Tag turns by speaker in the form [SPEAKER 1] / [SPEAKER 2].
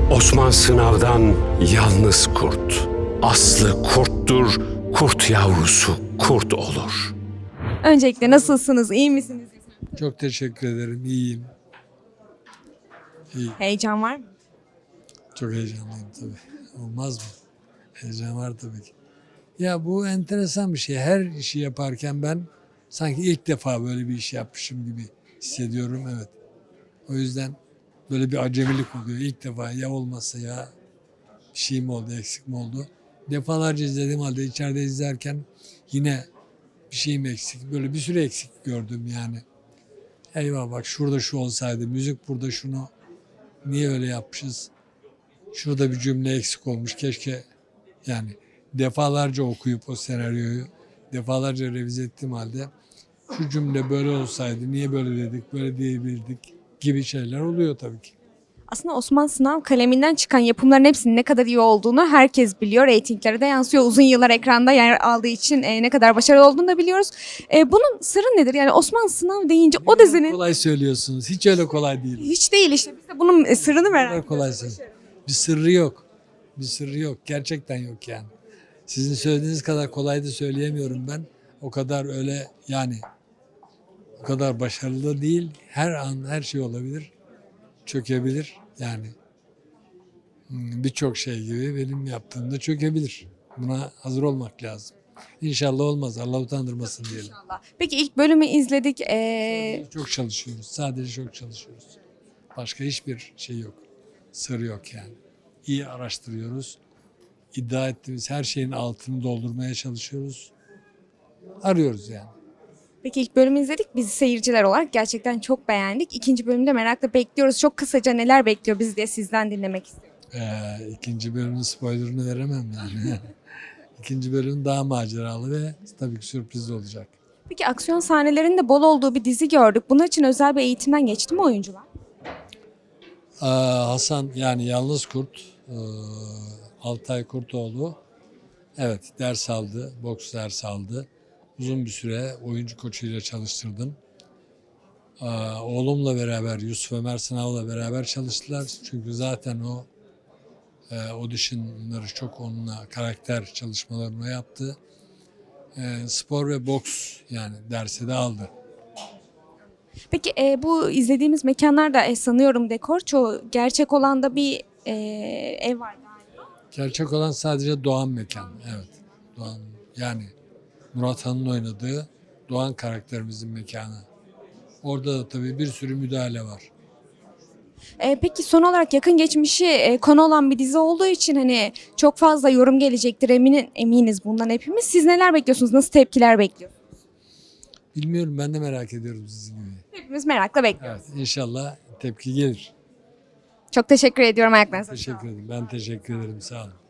[SPEAKER 1] Osman Sınav'dan yalnız kurt. Aslı kurttur, kurt yavrusu kurt olur.
[SPEAKER 2] Öncelikle nasılsınız, iyi misiniz?
[SPEAKER 3] Çok teşekkür ederim. İyiyim. İyi.
[SPEAKER 2] Heyecan var mı?
[SPEAKER 3] Çok heyecanlıyım tabii. Olmaz mı? Heyecan var tabii ki. Ya bu enteresan bir şey. Her işi yaparken ben sanki ilk defa böyle bir iş yapmışım gibi hissediyorum. Evet. O yüzden böyle bir acemilik oluyor. İlk defa ya olmasa ya bir şey mi oldu, eksik mi oldu? Defalarca izlediğim halde içeride izlerken yine bir şeyim eksik. Böyle bir sürü eksik gördüm yani. Eyvah bak şurada şu olsaydı, müzik burada şunu niye öyle yapmışız? Şurada bir cümle eksik olmuş. Keşke yani defalarca okuyup o senaryoyu defalarca revize ettiğim halde şu cümle böyle olsaydı niye böyle dedik, böyle diyebilirdik gibi şeyler oluyor tabii ki.
[SPEAKER 2] Aslında Osman Sınav kaleminden çıkan yapımların hepsinin ne kadar iyi olduğunu herkes biliyor. Reytinglere de yansıyor. Uzun yıllar ekranda yer aldığı için ne kadar başarılı olduğunu da biliyoruz. Bunun sırrı nedir? Yani Osman Sınav deyince o dizinin
[SPEAKER 3] Kolay söylüyorsunuz. Hiç öyle kolay değil.
[SPEAKER 2] hiç değil işte. Biz de bunun sırrını merak
[SPEAKER 3] Kolay
[SPEAKER 2] ediyoruz.
[SPEAKER 3] kolay söylüyorsunuz. Bir sırrı yok. Bir sırrı yok. Gerçekten yok yani. Sizin söylediğiniz kadar kolay da söyleyemiyorum ben. O kadar öyle yani o kadar başarılı değil. Her an her şey olabilir. Çökebilir. Yani birçok şey gibi benim yaptığımda çökebilir. Buna hazır olmak lazım. İnşallah olmaz. Allah utandırmasın diyelim.
[SPEAKER 2] İnşallah. Peki ilk bölümü izledik.
[SPEAKER 3] Çok çalışıyoruz. Sadece çok çalışıyoruz. Başka hiçbir şey yok. Sır yok yani. İyi araştırıyoruz. İddia ettiğimiz her şeyin altını doldurmaya çalışıyoruz. Arıyoruz yani.
[SPEAKER 2] Peki ilk bölümü izledik. Biz seyirciler olarak gerçekten çok beğendik. İkinci bölümde merakla bekliyoruz. Çok kısaca neler bekliyor bizi diye sizden dinlemek istiyorum.
[SPEAKER 3] İkinci bölümün spoilerını veremem yani. İkinci bölüm daha maceralı ve tabii ki sürprizli olacak.
[SPEAKER 2] Peki aksiyon sahnelerinin de bol olduğu bir dizi gördük. Bunun için özel bir eğitimden geçti mi oyuncular?
[SPEAKER 3] Hasan yani Yalnız Kurt, Altay Kurtoğlu evet ders aldı, boks ders aldı. Uzun bir süre oyuncu koçuyla çalıştırdım. Oğlumla beraber, Yusuf Ömer Sınav'la beraber çalıştılar. Çünkü zaten o auditionları çok onunla karakter çalışmalarını yaptı. Spor ve boks yani dersi de aldı.
[SPEAKER 2] Peki bu izlediğimiz mekanlarda sanıyorum dekor çoğu gerçek olan da bir ev var galiba.
[SPEAKER 3] Gerçek olan sadece Doğan mekan. Evet. Doğan yani Murat Han'ın oynadığı Doğan karakterimizin mekanı. Orada da tabii bir sürü müdahale var.
[SPEAKER 2] Peki son olarak yakın geçmişi konu olan bir dizi olduğu için hani çok fazla yorum gelecektir eminiz bundan hepimiz. Siz neler bekliyorsunuz? Nasıl tepkiler bekliyorsunuz?
[SPEAKER 3] Bilmiyorum ben de merak ediyorum sizin gibi.
[SPEAKER 2] Hepimiz merakla bekliyoruz.
[SPEAKER 3] Evet inşallah tepki gelir.
[SPEAKER 2] Çok teşekkür ediyorum ayaklarınıza.
[SPEAKER 3] Teşekkür ederim. Ben teşekkür ederim. Sağ olun.